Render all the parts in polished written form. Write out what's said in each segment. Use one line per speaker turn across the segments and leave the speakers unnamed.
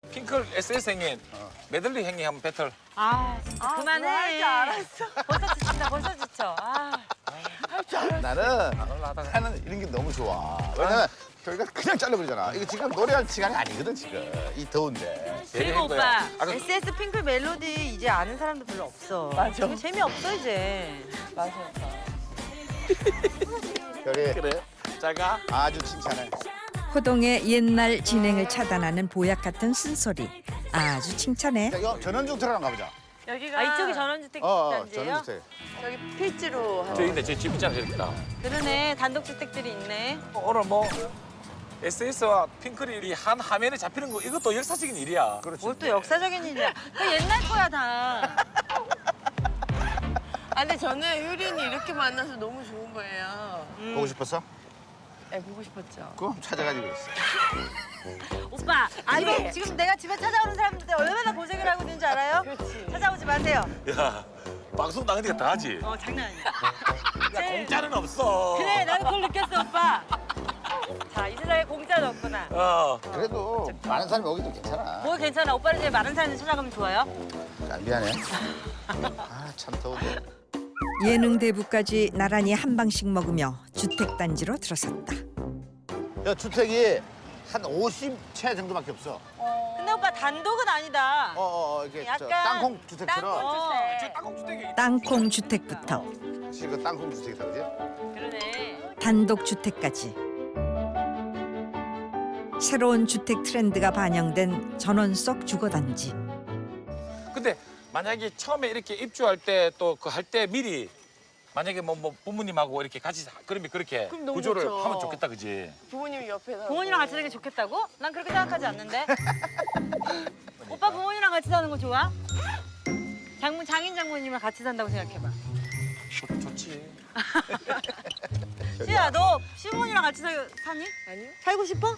핑클 SS 행님 메들리 행님 한번 배틀.
아, 진짜 그만해.
할줄 알았어.
벌써 지친다, 벌써 지쳐. 아.
나는 이런 게 너무 좋아. 왜냐면 저희가 그냥 잘라버리잖아. 이거 지금 노래할 시간이 아니거든 지금. 이 더운데.
그리고 오빠,
아까
SS 핑클 멜로디 이제 아는 사람도 별로 없어.
맞아.
이거 재미없어, 이제.
맞아.
별이
그래. 잘 가.
아주 칭찬해.
호동의 옛날 진행을 차단하는 보약 같은 쓴소리. 아주 칭찬해.
자, 이거 전원중 들어가 가보자.
여기가
아, 이쪽이 전원주택 단지예요?
전원주택.
저기 필지로 하는.
저기 있네. 저기 집 있잖아. 저기 있다.
그러네, 단독주택들이 있네.
오늘 뭐 SS와 핑클이 한 화면에 잡히는 거 이것도 역사적인 일이야.
그렇지.
뭘 또 역사적인 일이야. 그 옛날 거야, 다.
아, 근데 저는 효린이 이렇게 만나서 너무 좋은 거예요.
보고 싶었어?
네, 보고 싶었죠.
그럼 찾아가지고 있어.
오빠, 지금 내가 집에 찾아오는 사람들 얼마나 고생을 하고 있는지 알아요?
그렇지.
찾아오지 마세요.
야, 방송 나가니까 다 하지.
장난 아니야.
야, 공짜는 없어.
그래, 나도 그걸 느꼈어, 오빠. 자, 이 세상에 공짜는 없구나.
그래도 많은 사람이 오기도 괜찮아.
뭐 괜찮아, 오빠는 이제 많은 사람들 찾아가면 좋아요.
아, 미안해. 아, 참 더운데.
예능 대부까지 나란히 한 방씩 먹으며 주택단지로 들어섰다.
야, 주택이 한 50채 정도밖에 없어.
근데 오빠 단독은 아니다.
이게
약간
저 땅콩 주택처럼.
저 땅콩주택이
땅콩 주택부터
사실 그 땅콩 주택이다, 그지?
그러네.
단독 주택까지. 새로운 주택 트렌드가 반영된 전원 속 주거단지.
근데 만약에 처음에 이렇게 입주할 때 또 그 할 때 미리 만약에 뭐 부모님하고 이렇게 같이 그러면 그렇게
그럼 너무
구조를
좋죠.
하면 좋겠다, 그지?
부모님이 옆에서.
부모님이랑 같이 사는 게 좋겠다고? 난 그렇게 생각하지 않는데. 오빠 부모님이랑 같이 사는 거 좋아? 장인 장모님이랑 같이 산다고 생각해봐.
좋지.
시야, 너 시부모님이랑 같이 사니?
아니요.
살고 싶어?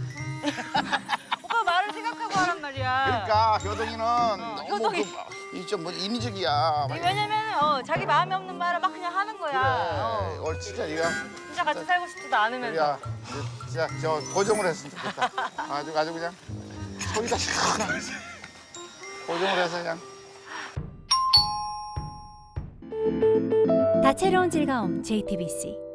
오빠 말을 생각하고 하란 말이야.
그러니까 효동이는 너무
효동이.
이좀 인위적이야.
왜냐면 자기 마음에 없는 말을 막 그냥 하는 거야.
그래. 오늘 진짜 이거
진짜 같이 살고 싶지도 않으면서.
야, 진짜 저 고정을 했으면 좋겠다. 아주 그냥 소리가 시원하게 고정을 해서 그냥.
다채로운 즐거움 JTBC